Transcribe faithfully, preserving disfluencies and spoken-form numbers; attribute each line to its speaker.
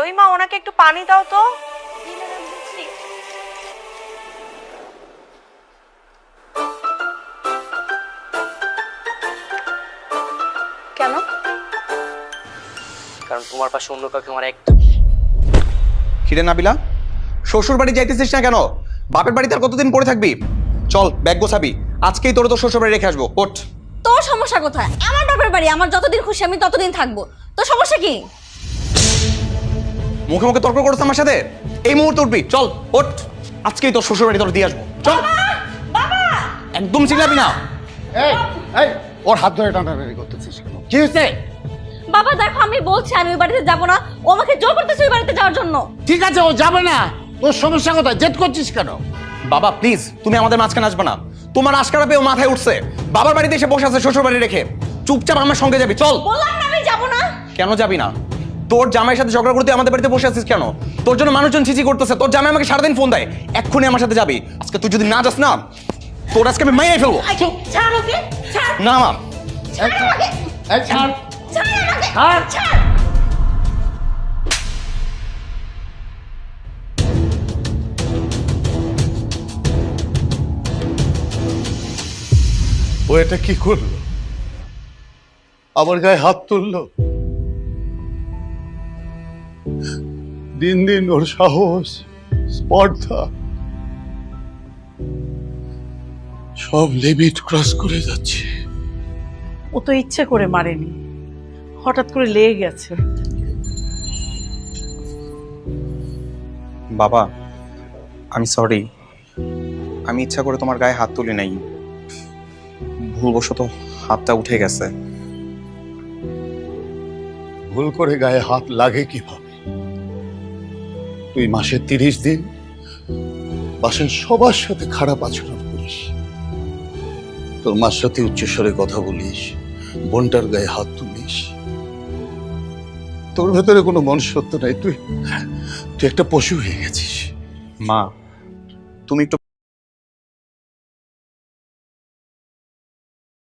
Speaker 1: রহিমা ওনাকে একটু পানি দাও তো। কেন?
Speaker 2: কারণ তোমার পাশে অন্য কাউকে আমার একদম।
Speaker 3: কিরে নাবিলা, শ্বশুর বাড়ি যাইতেছিস না কেন? বাপের বাড়িতে আর কতদিন পড়ে থাকবি? চল ব্যাগ গোছাবি, আজকেই তোর তো শ্বশুর বাড়ি রেখে আসবো। ওঠ।
Speaker 4: তোর সমস্যা কোথায়? আমার বাপের বাড়ি, আমার যতদিন খুশি আমি ততদিন থাকবো। তোর সমস্যা কি?
Speaker 3: মুখে মুখে তর্ক করছিস আমার সাথে? এই মুহূর্তে উঠবি, চল ওঠ। আজকেই তোর শ্বশুর বাড়ি তোর দিয়ে আসবো, চল।
Speaker 4: বাবা
Speaker 3: একদম চিল্লাবি না।
Speaker 5: এই এই ওর হাত ধরে টানাটানি করতেছিস কেন? কি হয়েছে?
Speaker 4: বাবা দেখো, আমি বলছি আমি ওই বাড়িতে যাব না। ও আমাকে জোর করতেছে ওই বাড়িতে যাওয়ার জন্য।
Speaker 5: ঠিক আছে, ও যাবে না। তোর সমস্যা কোথায়? জেদ করছিস কেন?
Speaker 3: বাবা প্লিজ, তুমি আমাদের মাঝখানে আসবে না। তোমার আশকারা পেয়েও মাথায় উঠছে, বাবার বাড়িতে এসে বসে আছে শ্বশুর বাড়ি রেখে। চুপচাপ আমার সঙ্গে যাবি, চল।
Speaker 4: বললাম না আমি যাব না।
Speaker 3: কেন যাবি না? তোর জামাইয়ের সাথে ঝগড়া করতে আমাদের বাড়িতে বসে আছিস কেন? তোর জন্য মানুষজন ছিচি করতেছে, তোর জামাই আমাকে সারাদিন ফোন দেয়। এক্ষুনি আমার সাথে যাবি। আজকে তুই যদি না যাস না, তোর আজকে আমি মাইরে ফেলবো।
Speaker 4: ছাড় ওকে, ছাড়।
Speaker 3: না মা,
Speaker 4: ছাড় আমাকে।
Speaker 5: এই ছাড়।
Speaker 4: ছাড় আমাকে।
Speaker 5: ছাড়।
Speaker 4: ছাড়।
Speaker 5: ও এটা কি করলো? আমার গায়ে হাত তুললো। দিন দিন ওর সাহস, স্পর্ধা সব লিমিট ক্রস করে যাচ্ছে।
Speaker 1: ও তো ইচ্ছে করে মারেনি, হঠাৎ করে লেগে গেছে।
Speaker 3: বাবা আমি সরি। আমি ইচ্ছা করে তোমার গায়ে হাত তুলি নাই, ভুলবশত হাতটা উঠে গেছে।
Speaker 5: ভুল করে গায়ে হাত লাগে কিভাবে? তুই মাসে তিরিশ দিন বাসের সবার সাথে খারাপ আচরণ করিস, তোর মার সাথে উচ্চস্বরে কথা বলিস, বোনটার গায়ে হাত তুলিস। তোর ভেতরে কোনো মনুষ্যত্ব নাই। তুই তুই একটা পশু হয়ে গেছিস।
Speaker 3: মা তুমি একটু